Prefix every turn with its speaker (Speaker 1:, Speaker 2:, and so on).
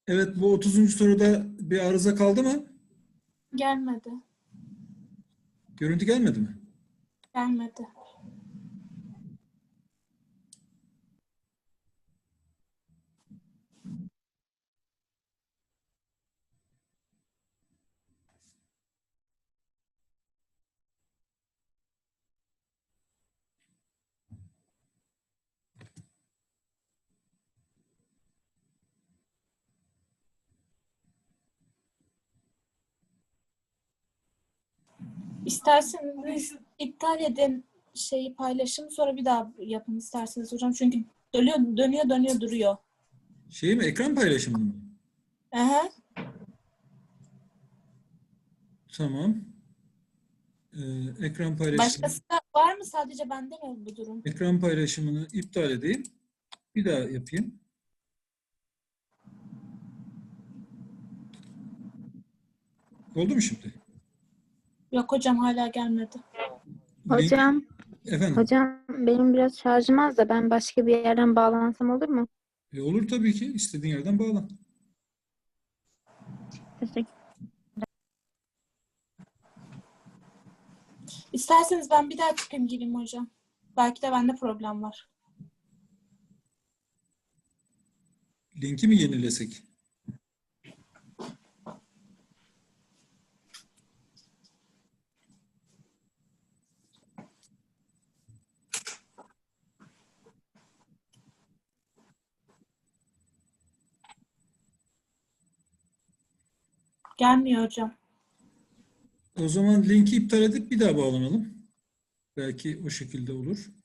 Speaker 1: Evet, bu 30. soruda bir arıza kaldı mı?
Speaker 2: Gelmedi.
Speaker 1: Görüntü gelmedi mi?
Speaker 2: Gelmedi. İsterseniz iptal edin şeyi paylaşım sonra bir daha yapın isterseniz hocam. Çünkü dönüyor duruyor.
Speaker 1: Şey mi? Ekran paylaşımını mı?
Speaker 2: Aha.
Speaker 1: Tamam. Ekran paylaşımı.
Speaker 2: Başkası da var mı? Sadece bende mi bu durum?
Speaker 1: Ekran paylaşımını iptal edeyim. Bir daha yapayım. Oldu mu şimdi?
Speaker 2: Yok hocam hala gelmedi.
Speaker 1: Link.
Speaker 3: Hocam,
Speaker 1: Efendim.
Speaker 3: hocam benim biraz şarjım az da ben başka bir yerden bağlansam olur mu?
Speaker 1: Olur tabii ki. İstediğin yerden bağlan.
Speaker 3: Teşekkür.
Speaker 2: İsterseniz ben bir daha çıkayım gireyim hocam. Belki de bende problem var.
Speaker 1: Linki mi yenilesek?
Speaker 2: Gelmiyor hocam.
Speaker 1: O zaman linki iptal edip bir daha bağlanalım. Belki o şekilde olur.